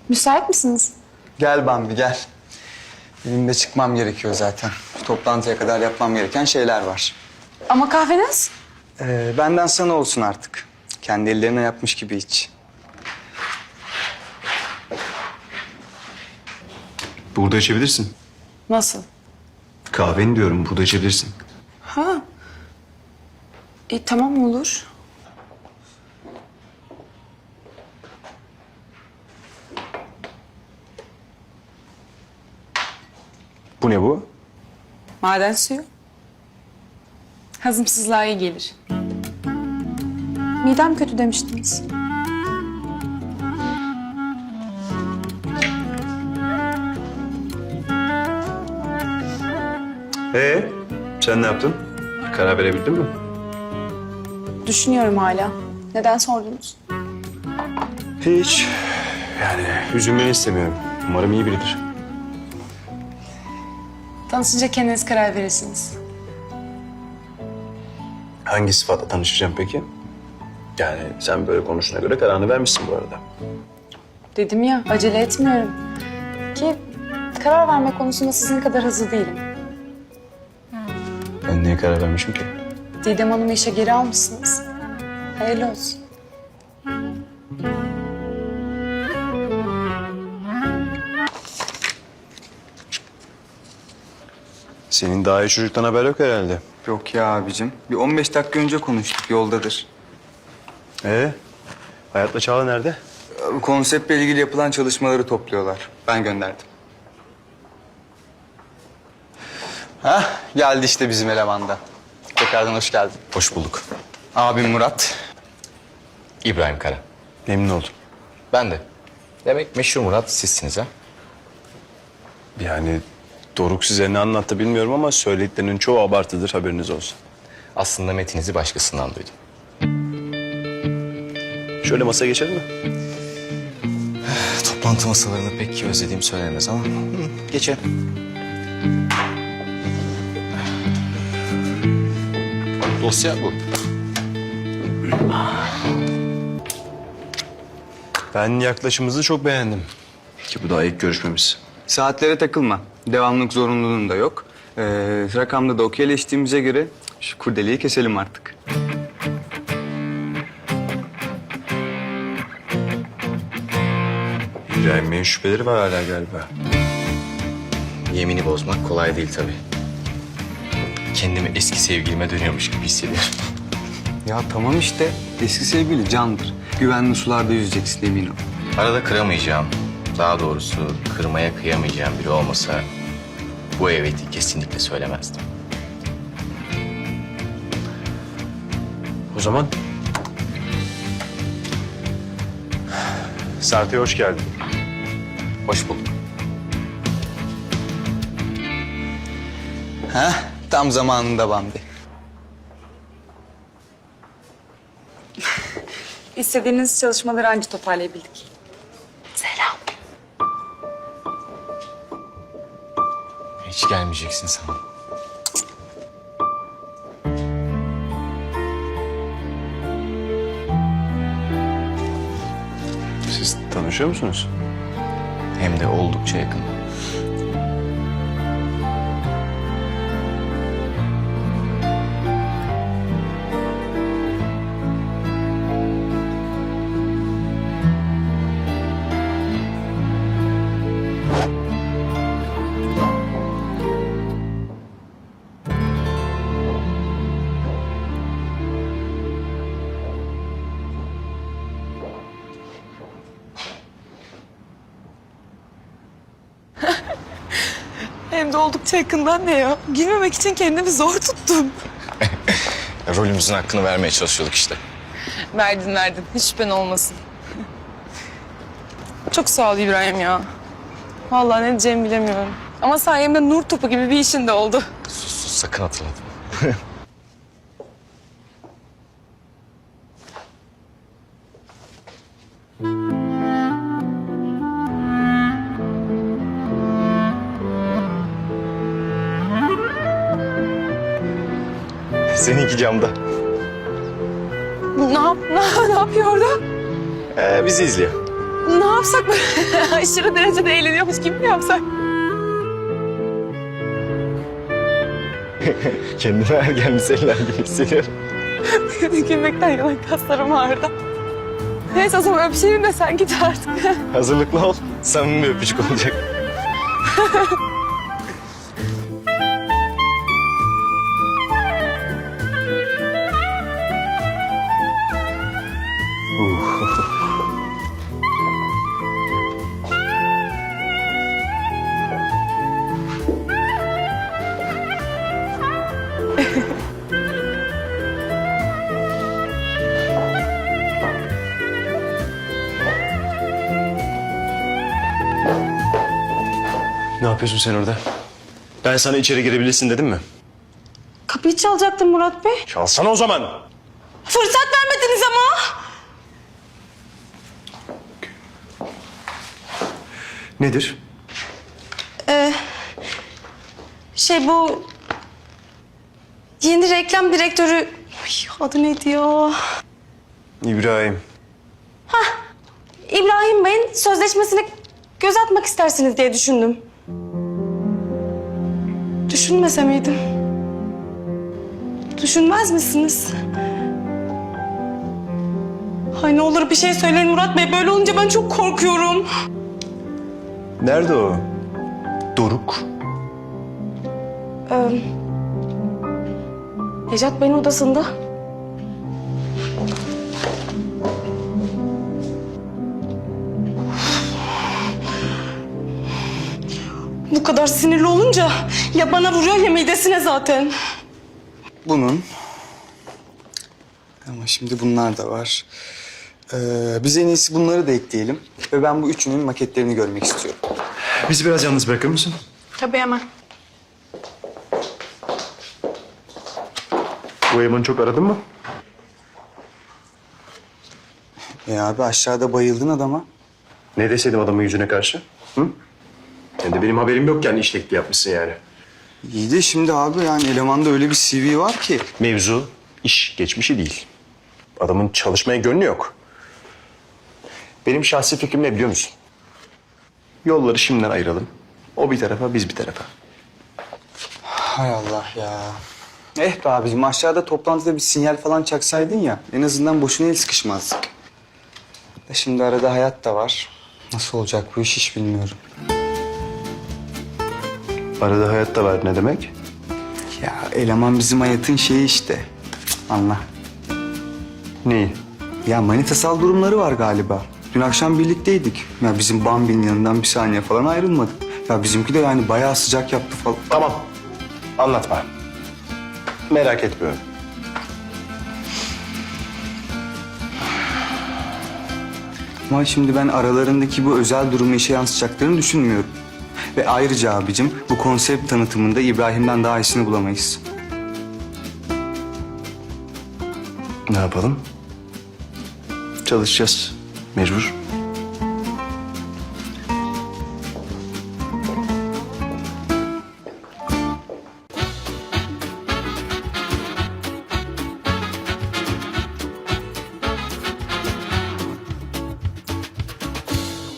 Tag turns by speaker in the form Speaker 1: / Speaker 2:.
Speaker 1: Müsait misiniz?
Speaker 2: Gel Bambi gel. Benim de çıkmam gerekiyor zaten. Toplantıya kadar yapmam gereken şeyler var.
Speaker 1: Ama kahveniz?
Speaker 2: Benden sana olsun artık. Kendi ellerine yapmış gibi iç.
Speaker 3: Burada içebilirsin.
Speaker 1: Nasıl?
Speaker 3: Kahveni diyorum, burada içebilirsin.
Speaker 1: Ha. Tamam olur.
Speaker 3: Bu ne bu?
Speaker 1: Maden suyu. Hazımsızlığa iyi gelir. Midem kötü demiştiniz.
Speaker 3: Sen ne yaptın? Karar verebildin mi?
Speaker 1: Düşünüyorum hala. Neden sordunuz?
Speaker 3: Hiç. Yani üzülmeni istemiyorum. Umarım iyi biridir.
Speaker 1: Tanışınca kendiniz karar verirsiniz.
Speaker 3: Hangi sıfatla tanışacağım peki? Yani sen böyle konuştuğuna göre kararını vermişsin bu arada.
Speaker 1: Dedim ya, acele etmiyorum. Ki karar verme konusunda sizin kadar hızlı değilim.
Speaker 3: Ben niye karar vermişim ki?
Speaker 1: Didem Hanım'ı işe geri almışsınız. Hayırlı olsun.
Speaker 3: Senin daha iyi çocuktan haber yok herhalde.
Speaker 2: Yok ya abicim. Bir 15 dakika önce konuştuk, yoldadır.
Speaker 3: Hayatla Çağla nerede?
Speaker 2: Konseptle ilgili yapılan çalışmaları topluyorlar. Ben gönderdim. Hah, geldi işte bizim elemanda. Tekrardan hoş geldin.
Speaker 4: Hoş bulduk.
Speaker 2: Abim Murat.
Speaker 4: İbrahim Kara.
Speaker 3: Memnun oldum.
Speaker 4: Ben de. Demek meşhur Murat sizsiniz ha?
Speaker 3: Yani Doruk size ne anlattı bilmiyorum ama söylediklerinin çoğu abartıdır, haberiniz olsun.
Speaker 4: Aslında metinizi başkasından duydum.
Speaker 3: Şöyle masaya geçelim mi?
Speaker 4: Toplantı masalarını pek özlediğim söylenemez ama geçelim. Dosya bu.
Speaker 3: Ben yaklaşımınızı çok beğendim. Ki bu daha ilk görüşmemiz.
Speaker 2: Saatlere takılma. Devamlık zorunluluğun da yok. Rakamda da okeyleştiğimize göre şu kurdeleyi keselim artık.
Speaker 3: İbrahim Bey'in şüpheleri var hala galiba.
Speaker 4: Yemini bozmak kolay değil tabii. Kendimi eski sevgilime dönüyormuş gibi hissediyorum.
Speaker 2: Ya tamam işte. Eski sevgili candır. Güvenli sularda yüzeceksin emin ol.
Speaker 4: Arada kıramayacağım, daha doğrusu kırmaya kıyamayacağım biri olmasa bu eveti kesinlikle söylemezdim.
Speaker 3: O zaman... Sarp'e hoş geldin.
Speaker 4: Hoş bulduk.
Speaker 2: Heh, tam zamanında Bambi.
Speaker 1: İstediğiniz çalışmaları anca toparlayabildik. Selam.
Speaker 4: Hiç gelmeyeceksin sanırım.
Speaker 3: Siz tanışıyor musunuz?
Speaker 4: Hem de oldukça yakın.
Speaker 1: Hem de oldukça yakından ne ya? Gülmemek için kendimi zor tuttum.
Speaker 4: Rolümüzün hakkını vermeye çalışıyorduk işte.
Speaker 1: Verdin. Hiç şüphen olmasın. Çok sağ ol İbrahim ya. Vallahi ne diyeceğimi bilemiyorum. Ama sayemde nur topu gibi bir işin de oldu.
Speaker 4: Sus, sakın hatırlatma. Seninki camda.
Speaker 1: Ne yapıyor orada?
Speaker 4: Bizi izliyor.
Speaker 1: Ne yapsak böyle aşırı derecede eğleniyormuş gibi mi yapsak?
Speaker 5: Kendimi ergen liseler gibi hissediyorum.
Speaker 1: Gülmekten yalan kaslarım ağrıdı. Neyse o zaman öpüşelim de sen git artık.
Speaker 5: Hazırlıklı ol. Samimi bir öpücük olacak.
Speaker 3: Ne yapıyorsun sen orada? Ben sana içeri girebilirsin dedim mi?
Speaker 1: Kapıyı çalacaktım Murat Bey.
Speaker 3: Çalsana o zaman.
Speaker 1: Fırsat vermediniz ama.
Speaker 3: Nedir?
Speaker 6: Bu yeni reklam direktörü ay, adı neydi ya?
Speaker 3: İbrahim.
Speaker 6: İbrahim Bey'in sözleşmesine göz atmak istersiniz diye düşündüm. Düşünmese miydim? Düşünmez misiniz? Ay ne olur bir şey söyleyin Murat Bey. Böyle olunca ben çok korkuyorum.
Speaker 3: Nerede o? Doruk.
Speaker 6: Necat Bey'in odasında. Bu kadar sinirli olunca ya bana vuruyor ya midesine zaten.
Speaker 2: Bunun. Ama şimdi bunlar da var. Biz en iyisi bunları da ekleyelim. Ve ben bu üçünün maketlerini görmek istiyorum.
Speaker 3: Bizi biraz yalnız bırakır mısın?
Speaker 1: Tabii hemen.
Speaker 3: Bu Eman'ı çok aradın mı?
Speaker 2: Abi aşağıda bayıldın adama.
Speaker 3: Ne deseydim adamın yüzüne karşı? Hı? Hem de benim haberim yok yani işlekli yapmışsın yani.
Speaker 2: İyi de şimdi abi yani elemanda öyle bir CV var ki.
Speaker 3: Mevzu iş geçmişi değil. Adamın çalışmaya gönlü yok. Benim şahsi fikrim ne biliyor musun? Yolları şimdiden ayıralım. O bir tarafa, biz bir tarafa.
Speaker 2: Hay Allah ya. Be abicim aşağıda toplantıda bir sinyal falan çaksaydın ya. En azından boşuna el sıkışmazdık. Da şimdi arada hayat da var. Nasıl olacak bu iş hiç bilmiyorum.
Speaker 3: Arada hayat da var ne demek?
Speaker 2: Ya eleman bizim hayatın şeyi işte. Cık, anla.
Speaker 3: Neyi?
Speaker 2: Ya manitasal durumları var galiba. Dün akşam birlikteydik. Ya bizim Bambi'nin yanından bir saniye falan ayrılmadık. Ya bizimki de yani bayağı sıcak yaptı falan.
Speaker 3: Tamam. Anlatma. Merak etmiyorum.
Speaker 2: Ama şimdi ben aralarındaki bu özel durumu işe yansıtacaklarını düşünmüyorum. Ve ayrıca abicim bu konsept tanıtımında İbrahim'den daha iyisini bulamayız.
Speaker 3: Ne yapalım? Çalışacağız. Mecbur.